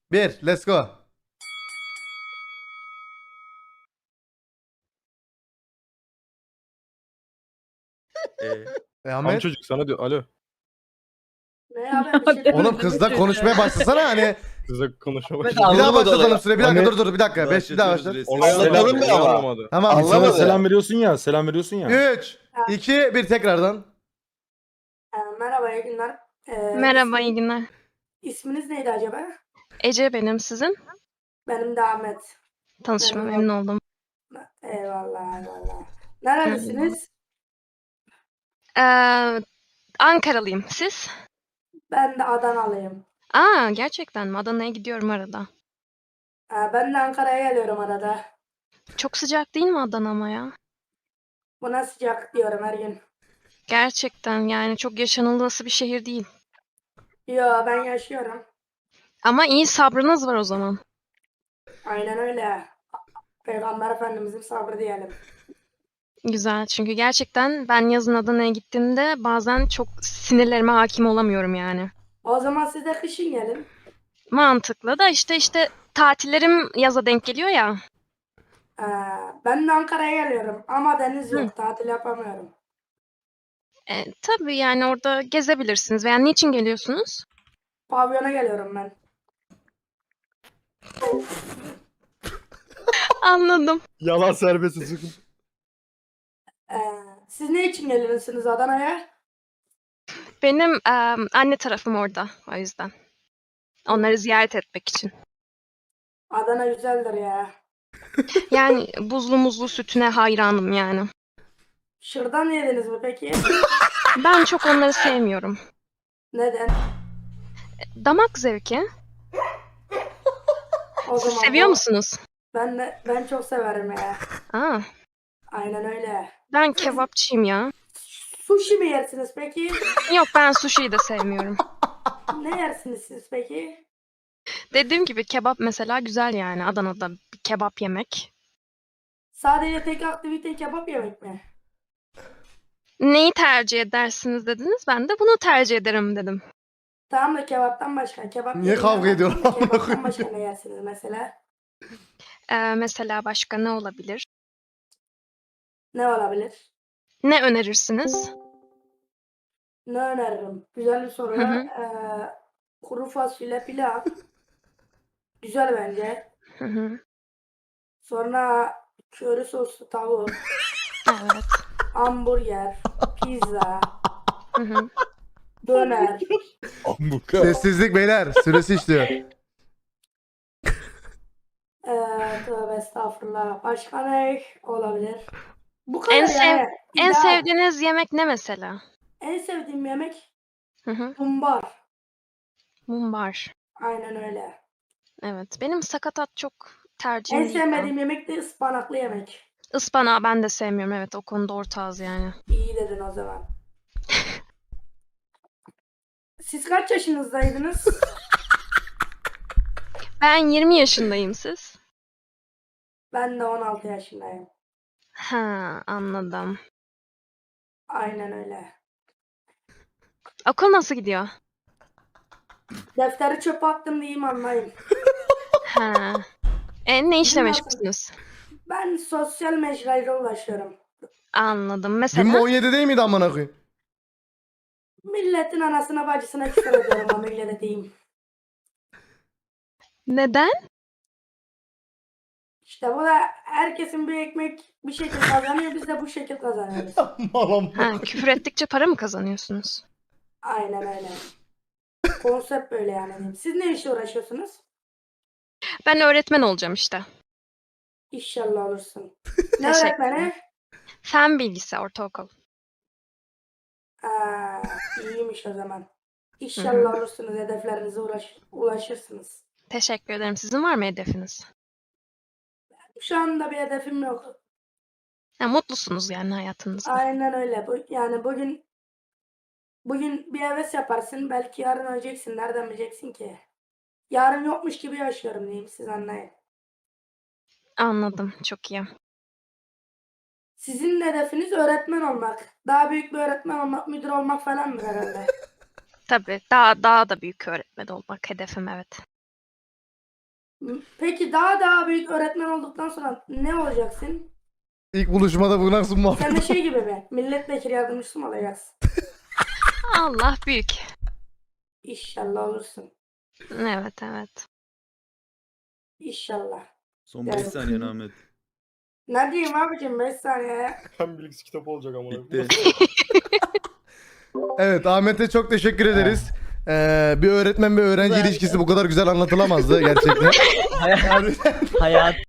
1. Let's go. Tam Ahmet. çocuk sana diyor. Alo. Ne abi bir şey Oğlum kızla konuşmaya başlasana hani. Kızla konuşma Evet, başladı. Bir daha anlamadı başlatalım olayı. süre. Bir dakika Hani- dur bir dakika. 5 bir daha başla. Olaya Anlatalım selam mı ama? anlamadı. Tamam. Anlamadı. İnsana selam veriyorsun ya. Selam veriyorsun ya. 3, 2, 1 tekrardan. Merhaba iyi günler. Merhaba, iyi günler. İsminiz neydi acaba? Ece benim, sizin? Benim de Ahmet. Tanışma Memnun memnun oldum. Eyvallah eyvallah. Neredesiniz? Ankaralıyım. Siz? Ben de Adanalıyım. Aa, gerçekten mi? Adana'ya gidiyorum arada. Ben de Ankara'ya geliyorum arada. Çok sıcak değil mi Adana ama ya? Buna sıcak diyorum her gün. Gerçekten yani çok yaşanılması bir şehir değil. Yo ben yaşıyorum. Ama iyi sabrınız var o zaman. Aynen öyle. Peygamber Efendimizin sabrı diyelim. Güzel, çünkü gerçekten ben yazın Adana'ya gittiğimde bazen çok sinirlerime hakim olamıyorum yani. O zaman siz de kışın gelin. Mantıklı da işte tatillerim yaza denk geliyor ya. Ee, Ben de Ankara'ya geliyorum ama deniz Hı. yok. Tatil yapamıyorum. Tabii yani orada gezebilirsiniz. Veya niçin geliyorsunuz? Pavyona geliyorum ben. Anladım. Yalan serbest sıkın. Siz ne için geliyorsunuz Adana'ya? Benim anne tarafım orada o yüzden. Onları ziyaret etmek için. Adana güzeldir ya. Yani buzlu muzlu sütüne hayranım yani. Şırdan yediniz mi peki? Ben çok onları sevmiyorum. Neden? Damak zevki. O Siz zaman seviyor bu- musunuz? Ben çok severim ya. Aa, Aynen öyle. ben kebapçıyım ya. Sushi mi yersiniz peki? Yok, ben sushi'yi de sevmiyorum. Ne yersiniz siz peki? Dediğim gibi kebap mesela güzel yani Adana'da bir kebap yemek. Sadece tek aktivite kebap yemek mi? Neyi tercih edersiniz dediniz. Ben de bunu tercih ederim dedim. Tamam da kebaptan başka. Kebap Niye yediğiniz kavga zaman ediyorlar? Kebaptan başka ne yersiniz mesela? Mesela başka ne olabilir? Ne olabilir? Ne önerirsiniz? Ne öneririm? Güzel bir soru. Hı hı. Kuru fasulye pilav. Güzel bence. Hı hı. Sonra köri soslu tavuk, Evet. hamburger, pizza, Hı hı. döner. Ambuka. Sessizlik beyler. Süresi işliyor. Tövbe estağfurullah. Başka ne olabilir? Bu kadar En sev- yani. En İdeal. sevdiğiniz yemek ne mesela? En sevdiğim yemek Hı hı. mumbar. Mumbar. Aynen öyle. Evet. Benim sakatat çok tercihim En değil ya. sevmediğim yemek de ıspanaklı yemek. Ispanağı ben de sevmiyorum. Evet, o konuda ortağız yani. İyi dedin o zaman. Siz kaç yaşınızdaydınız? Ben 20 yaşındayım, siz? Ben de 16 yaşındayım. Ha, anladım. Aynen öyle. Okul nasıl gidiyor? Defteri çöpe attım diyeyim anlayın. Ha. Ne işle Sizin nasıl? meşgulsünüz? Ben sosyal mecrayla ulaşıyorum. Anladım. Dün mü Mesela 17 değil miydi amına koyayım? Milletin anasına bacısına küfür ediyorum ama öyle de diyeyim. neden? İşte bu da herkesin bir ekmek bir şekil kazanıyor. Biz de bu şekil kazanıyoruz. Malam. Ha, küfür ettikçe para mı kazanıyorsunuz? Aynen öyle. Konsept böyle yani diyeyim. Siz ne işle uğraşıyorsunuz? Ben öğretmen olacağım işte. İnşallah olursun. Ne Teşekkür öğretmeni? Fen bilgisi ortaokul. İyiymiş o zaman. İnşallah olursunuz. Hedeflerinize ulaşırsınız. Teşekkür ederim. Sizin var mı hedefiniz? Şu anda bir hedefim yok. Ha, mutlusunuz yani hayatınızda. Aynen öyle. Yani bugün bir heves yaparsın. Belki yarın öleceksin. Nereden bileceksin ki? Yarın yokmuş gibi yaşıyorum diyeyim. Siz anlayın. Anladım. Çok iyi. Sizin hedefiniz öğretmen olmak. Daha büyük bir öğretmen olmak, müdür olmak falan mı herhalde? Tabii. Daha da büyük öğretmen olmak hedefim, evet. Peki daha büyük öğretmen olduktan sonra ne olacaksın? İlk buluşmada bu nasıl muhabbet? Sen de şey gibi mi? Milletvekili yardımcısı mı olacaksın? Allah büyük. İnşallah olursun. Evet evet. İnşallah. Son 5 Yani- saniye Ahmet. Ne diyeyim abicim 5 saniye. Hem bilgisi kitabı olacak ama. Bitti. Evet, Ahmet'e çok teşekkür ederiz. Bir öğretmen ve öğrenci ilişkisi bu kadar güzel anlatılamazdı gerçekten. Hayat